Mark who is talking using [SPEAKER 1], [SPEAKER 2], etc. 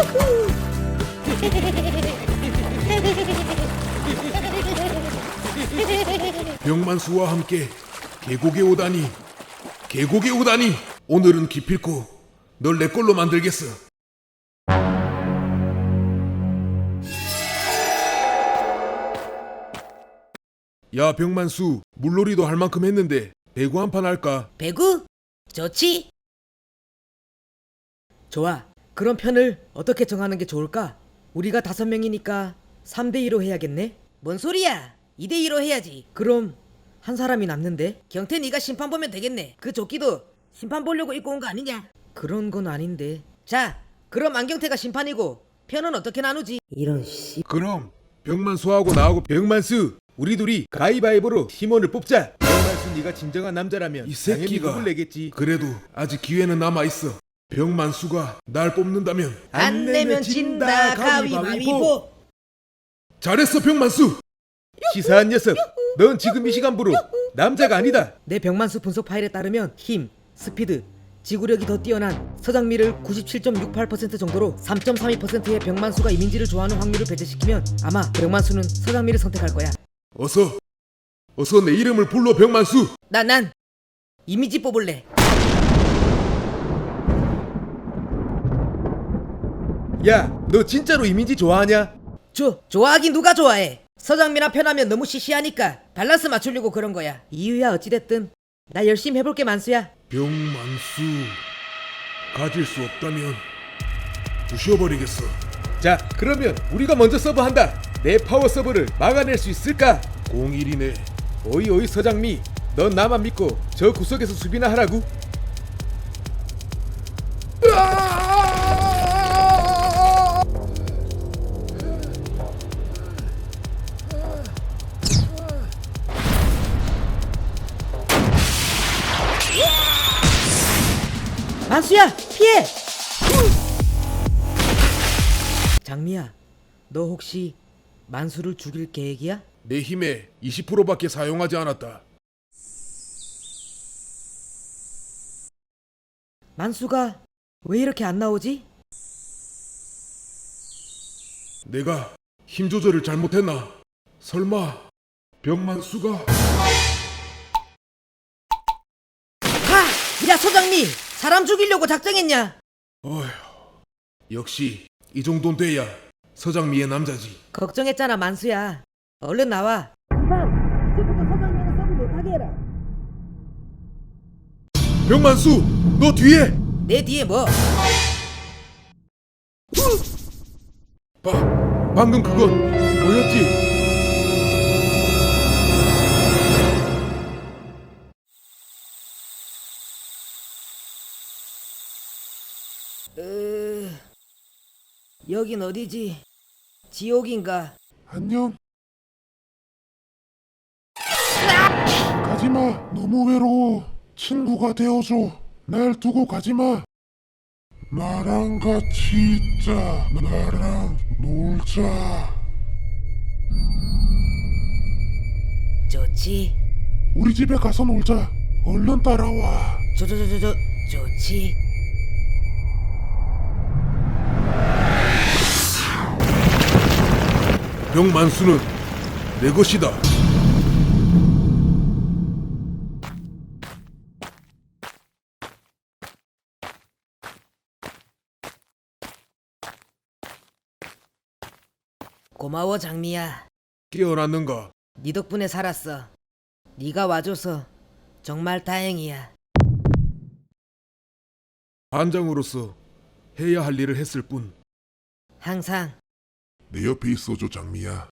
[SPEAKER 1] 병만수와 함께 계곡에 오다니, 계곡에 오다니. 오늘은 기필코 널 내 걸로 만들겠어. 야 병만수, 물놀이도 할 만큼 했는데 배구 한 판 할까?
[SPEAKER 2] 배구? 좋지? 좋아. 그럼 편을 어떻게 정하는 게 좋을까? 우리가 5명이니까 3대2로 해야겠네? 뭔 소리야? 2대2로 해야지. 그럼 한 사람이 남는데? 경태 네가 심판 보면 되겠네. 그 조끼도 심판 보려고 입고 온 거 아니냐? 그런 건 아닌데. 자, 그럼 안경태가 심판이고 편은 어떻게 나누지? 이런 씨.
[SPEAKER 1] 그럼 병만수하고 나하고 병만수 우리 둘이 가위바위보로 팀원을 뽑자. 병만수 네가 진정한 남자라면 이 새끼가 당연히 내겠지. 그래도 아직 기회는 남아있어. 병만수가 날 뽑는다면
[SPEAKER 2] 안 내면 진다 가위바위보.
[SPEAKER 1] 잘했어 병만수.
[SPEAKER 3] 치사한 녀석, 넌 지금 이 시간부로 남자가 아니다.
[SPEAKER 2] 내 병만수 분석 파일에 따르면 힘, 스피드, 지구력이 더 뛰어난 서장미를 97.68% 정도로 3.32%의 병만수가 이민지를 좋아하는 확률을 배제시키면 아마 병만수는 서장미를 선택할 거야.
[SPEAKER 1] 어서 내 이름을 불러 병만수.
[SPEAKER 2] 난 이미지 뽑을래.
[SPEAKER 3] 야, 너 진짜로 이민지 좋아하냐?
[SPEAKER 2] 좋아하긴 누가 좋아해. 서장미나 편하면 너무 시시하니까 밸런스 맞추려고 그런 거야. 이유야 어찌됐든 나 열심히 해볼게 만수야.
[SPEAKER 1] 병만수 가질 수 없다면 부셔버리겠어.
[SPEAKER 3] 자, 그러면 우리가 먼저 서브한다. 내 파워 서브를 막아낼 수 있을까?
[SPEAKER 1] 01이네.
[SPEAKER 3] 오이 서장미, 넌 나만 믿고 저 구석에서 수비나 하라고.
[SPEAKER 2] 만수야 피해. 장미야, 너 혹시 만수를 죽일 계획이야?
[SPEAKER 1] 내 힘의 20%밖에 사용하지 않았다.
[SPEAKER 2] 만수가 왜 이렇게 안 나오지?
[SPEAKER 1] 내가 힘 조절을 잘못했나? 설마 병만수가?
[SPEAKER 2] 야 서장미, 사람 죽이려고 작정했냐?
[SPEAKER 1] 어휴, 역시 이 정도는 돼야 서장미의 남자지.
[SPEAKER 2] 걱정했잖아 만수야. 얼른 나와. 금방 이제부터 서장미는 서브 못하게 해라.
[SPEAKER 1] 병만수, 너 뒤에!
[SPEAKER 2] 내 뒤에 뭐?
[SPEAKER 1] 방금 그건 뭐였지?
[SPEAKER 2] 여긴 어디지? 지옥인가?
[SPEAKER 4] 안녕. 가지마. 너무 외로워. 친구가 되어줘. 날 두고 가지마. 나랑 같이 있자. 나랑 놀자.
[SPEAKER 2] 좋지.
[SPEAKER 4] 우리 집에 가서 놀자. 얼른 따라와.
[SPEAKER 2] 좋지.
[SPEAKER 1] 병만수는 내 것이다.
[SPEAKER 2] 고마워 장미야.
[SPEAKER 1] 깨어났는가?
[SPEAKER 2] 네 덕분에 살았어. 네가 와줘서 정말 다행이야.
[SPEAKER 1] 반장으로서 해야 할 일을 했을 뿐.
[SPEAKER 2] 항상
[SPEAKER 4] 내 옆에 있어줘, 장미야.